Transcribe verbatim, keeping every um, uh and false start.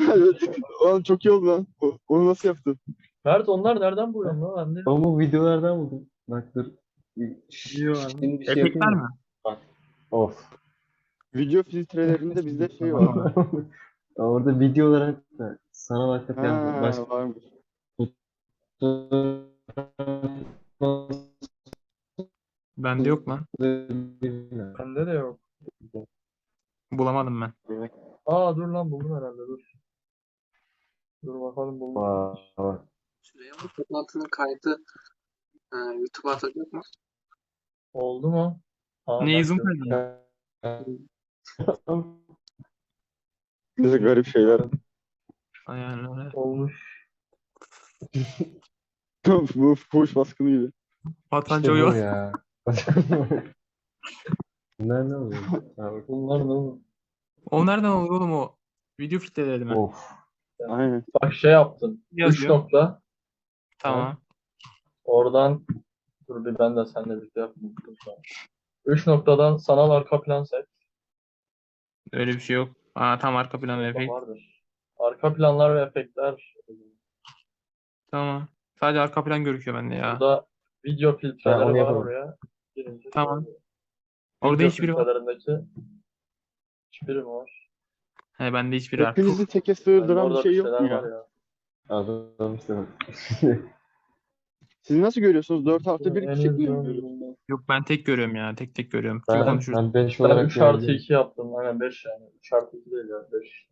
Oğlum çok iyi oldu lan. O- Onu nasıl yaptın? Mert onlar nereden buluyorsun lan? Ben de Ama bu videolardan buldum. Bak dur. biliyor abi. Şimdi bir şey Efektler yapayım mi? mı? Bak. Of. Video filtrelerinde bizde şey var. Orada video olarak da sanal arka Ha, plan başka varmış. Bende yok lan. Bende de yok. Bulamadım ben. Aa dur lan buldum herhalde dur. Dur bakalım buldum. Vay. Süleyman toplantının kaydı e, YouTube'a atacak mı? Oldu mu? Aa, Ne Mert zoom yok. kaydı? Bize garip şeyler. Yani öyle. Olmuş. Bu fuhuş baskını gibi. Vatan İşte bu Joyo. ya. Bunlar ne oluyor? Ha, bak. Bunlar ne oğlum? O nereden oluyor oğlum o? Video filtreleri mi? Of. Aynen. Bak şey yaptın. Üç Yazıyor. nokta. Tamam. Oradan dur bir ben de seninle birlikte yapayım. Üç noktadan sanal arka plan seç. Öyle bir şey yok. Aa tam arka plan ve efekt. Vardır. Arka planlar ve efektler. Tamam. Sadece arka plan gözüküyor bende ya. Burada video Ha, filtreleri onu var yapalım. oraya. Girince Tamam. Video Orada hiçbiri var. filtrelerindeki hiçbiri mi var? He bende hiçbiri var. Hepinizi Puh. teke Bende sığırdıran bir orada şey bir yok şeyler mu var ya? ya. Adam işte. Siz nasıl görüyorsunuz? dört artı bir En kişi mi azından görüyoruz? bundan. Yok ben tek görüyorum ya. Tek tek görüyorum. Kim Ben, konuşursa. ben bench Ben olarak üç artı görebiliyorum. iki yaptım. Aynen beş yani. üç artı iki değil ya. beş.